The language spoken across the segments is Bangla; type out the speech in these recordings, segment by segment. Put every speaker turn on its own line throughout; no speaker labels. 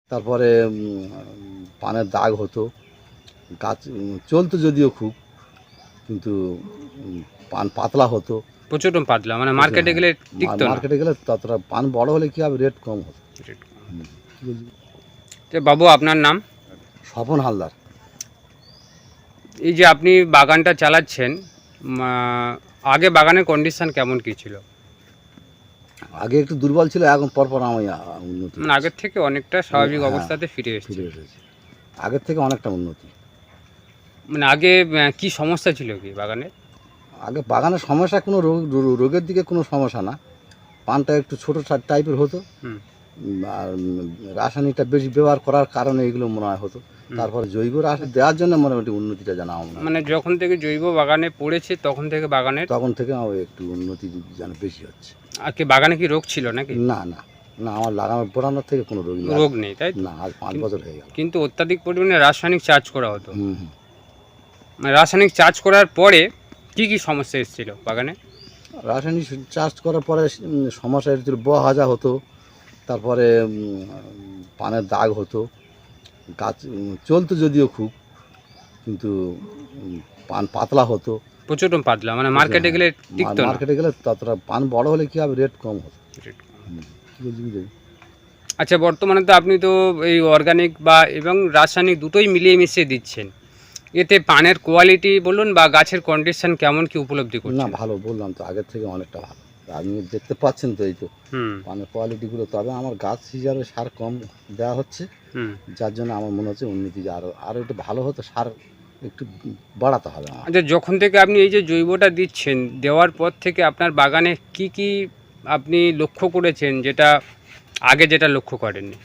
তারপরে পানের দাগ হতো, গাছ চলতো যদিও খুব, কিন্তু পান পাতলা হতো।
প্রচুর পাতলা, মানে মার্কেটে গেলে টিকতো না।
মার্কেটে গেলে ততটা পান বড় হলে কি হবে, রেট কম হতো। কি বলছি?
তো বাবু, আপনার নাম?
স্বপন হালদার।
এই যে আপনি বাগানটা চালাচ্ছেন, আগে বাগানের কন্ডিশন কেমন কি ছিল?
আগে একটু দুর্বল ছিল, এখন পরপর আমি উন্নতি,
মানে আগের থেকে অনেকটা স্বাভাবিক
হ্যাঁ,
অবস্থাতে ফিরে এসেছে।
ফিরে এসেছে, আগের থেকে অনেকটা উন্নতি।
মানে আগে কি সমস্যা ছিল কি বাগানে?
আগে বাগানের সমস্যা কোনো রোগের দিকে কোনো সমস্যা না, পানটা একটু ছোটো টাইপের হতো, আর রাসায়নিকটা বেশি ব্যবহার করার কারণে এগুলো মনে হয় হতো। তারপরে জৈব রাসায়নিক দেওয়ার জন্য মোটামুটি উন্নতিটা জানা আমার,
মানে যখন থেকে জৈব বাগানে পড়েছে তখন থেকে
তখন থেকে আমার একটু উন্নতি যেন বেশি হচ্ছে।
আর কি বাগানে কি রোগ ছিল নাকি?
না না না, আমার লাগানোর পোড়ানোর থেকে কোনো
রোগ নেই, তাই
না, আজ 5 বছর হয়ে গেল।
কিন্তু অত্যাধিক পরিমাণে রাসায়নিক চার্জ করা হতো। মানে রাসায়নিক চার্জ করার পরে কি কি সমস্যা এসেছিল বাগানে?
রাসায়নিক চাষ করার পরে সমস্যা হচ্ছিল, বহাজা হতো, তারপরে পানের দাগ হতো, গাছ চলতো যদিও খুব, কিন্তু পান পাতলা হতো।
প্রচুর পাতলা, মানে মার্কেটে গেলে টিকতো না।
মার্কেটে গেলে ততটা পান বড় হলে কি হবে, রেট কম হতো। কি বলছি?
আচ্ছা, বর্তমানে তো আপনি তো এই অর্গানিক বা এবং রাসায়নিক দুটোই মিলিয়ে মিশিয়ে দিচ্ছেন, এতে পানের কোয়ালিটি বলুন বা গাছের কন্ডিশন কেমন কি উপলব্ধি করছেন?
না, ভালো, বললাম তো আগের থেকে অনেকটা ভালো। আপনি দেখতে পাচ্ছেন তো, এই তো পানের কোয়ালিটিগুলো। তবে আমার গাছ হিসাবে সার কম দেওয়া হচ্ছে, যার জন্য আমার মনে হচ্ছে উন্নতি আরও একটু ভালো হতো, সার একটু বাড়াতে হবে আমার।
আচ্ছা, যখন থেকে আপনি এই যে জৈবটা দিচ্ছেন, দেওয়ার পর থেকে আপনার বাগানে কি কি আপনি লক্ষ্য করেছেন যেটা আগে যেটা লক্ষ্য করেননি?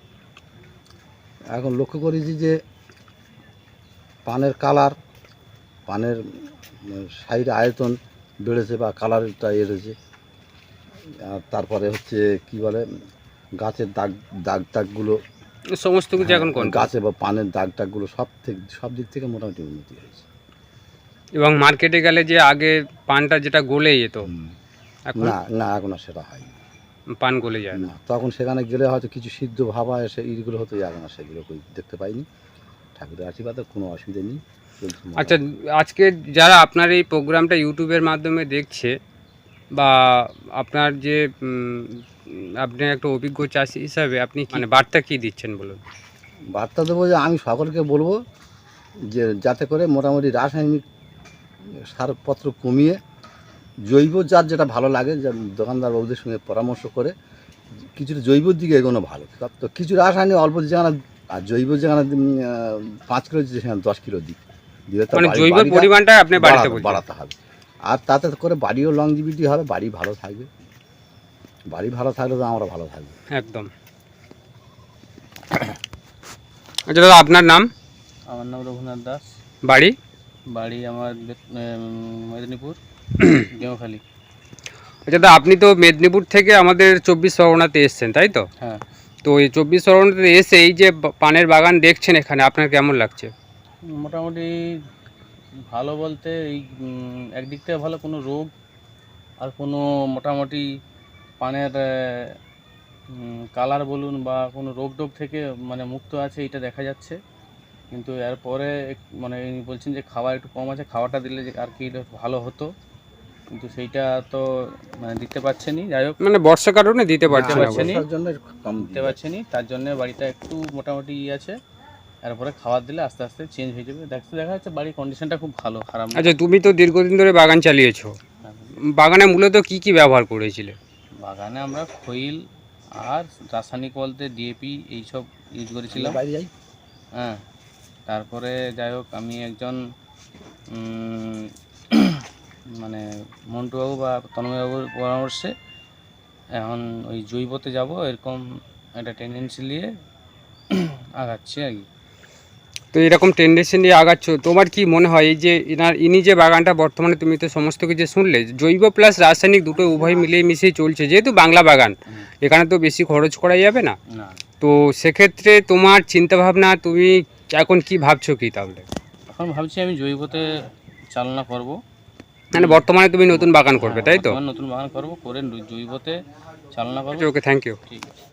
এখন লক্ষ্য করেছি যে পানের কালার, পানের সাইড আয়তন বেড়েছে বা কালারটা এড়েছে। আর তারপরে হচ্ছে কি বলে, গাছের দাগগুলো
সমস্ত কিছু এখন
গাছে বা পানের দাগগুলো সব দিক থেকে মোটামুটি উন্নতি হয়েছে।
এবং মার্কেটে গেলে যে আগে পানটা যেটা গলে যেত, এখন
না না, এখন আর সেটা হয়
পান গলে যায়
না। তখন সেখানে গেলে হয়তো কিছু সিদ্ধ ভাবা এসে এইগুলো হতো, এখন আর সেগুলো দেখতে পাইনি। ঠাকুরের আশীর্বাদে কোনো অসুবিধা নেই।
আচ্ছা, আজকে যারা আপনার এই প্রোগ্রামটা ইউটিউবের মাধ্যমে দেখছে, বা আপনার যে আপনি একটা অভিজ্ঞ চাষি হিসাবে আপনি মানে বার্তা কী দিচ্ছেন বলুন?
বার্তা দেবো যে আমি সকলকে বলবো যে যাতে করে মোটামুটি রাসায়নিক সারপত্র কমিয়ে জৈব যেটা ভালো লাগে, যে দোকানদার বাবুদের সঙ্গে পরামর্শ করে কিছুটা জৈবর দিকে এগোনো ভালো। তো কিছু রাসায়নিক অল্প যেখানে, আর জৈব যেখানে 5 কিলো সেখানে 10 কিলো দিলে
মানে জৈব পরিমাণটা আপনি
বাড়াতে হবে। আর তাতে করে বাড়িও লংজিভিটি হবে, বাড়ি ভালো থাকবে। বাড়ি ভালো থাকলে তো আমরা ভালো থাকবো।
একদম। আচ্ছা দাদা, আপনার নাম?
আমার নাম রঘুনাথ দাস।
বাড়ি?
বাড়ি আমার মেদিনীপুর, গেঁওখালি।
আচ্ছা দাদা, আপনি তো মেদিনীপুর থেকে আমাদের 24 পরগনাতে এসছেন, তাই তো?
হ্যাঁ।
তো এই 24 পরগনাতে এসে এই যে পানের বাগান দেখছেন এখানে, আপনার কেমন লাগছে?
মোটামুটি ভালো বলতে এই একদিক থেকে ভালো, কোনো রোগ আর কোনো মোটামুটি পানের কালার বলুন বা কোনো রোগ থেকে মানে মুক্ত আছে, এটা দেখা যাচ্ছে। কিন্তু এরপরে মানে বলছেন যে খাবার একটু কম আছে, খাওয়াটা দিলে যে আর কি ভালো হতো, কিন্তু সেইটা তো মানে দিতে পারছেনি। যাই হোক,
মানে বর্ষার কারণে দিতে পারছেন
দিতে পারছেনি, তার জন্য বাড়িটা একটু মোটামুটি আছে। তারপরে খাবার দিলে আস্তে আস্তে চেঞ্জ হয়ে যাবে। দেখা যাচ্ছে বাড়ির কন্ডিশনটা খুব ভালো, খারাপ না।
আচ্ছা, তুমি তো দীর্ঘদিন ধরে বাগান চালিয়েছো, বাগানে মূলত কি কি ব্যবহার করেছিলে?
বাগানে আমরা খৈল আর রাসায়নিক বলতে ডিএপি এইসব ইউজ করেছিলাম। হ্যাঁ, তারপরে যাই হোক, আমি একজন মানে মন্টুবাবু বা তন্ময়বাবুর পরামর্শে এখন ওই জৈবতে যাব, এরকম একটা টেন্ডেন্সি নিয়ে আগাচ্ছি আর কি।
তো এরকম টেন্ডেন্সি নিয়ে আগাচ্ছ, তোমার কি মনে হয় এই যে ইনি যে বাগানটা বর্তমানে, তুমি তো সমস্ত কিছু শুনলে, জৈব প্লাস রাসায়নিক দুটো উভয় মিলিয়ে মিশিয়ে চলছে, যেহেতু বাংলা বাগান, এখানে তো বেশি খরচ করা যাবে না। তো সেক্ষেত্রে তোমার চিন্তাভাবনা, তুমি এখন কি ভাবছো কি তাহলে?
এখন ভাবছি আমি জৈবতে চালনা করব।
মানে বর্তমানে তুমি নতুন বাগান করবে, তাই তো?
নতুন বাগান করব, করে জৈবতে চালনা করব।
Okay, thank you.
ঠিক আছে।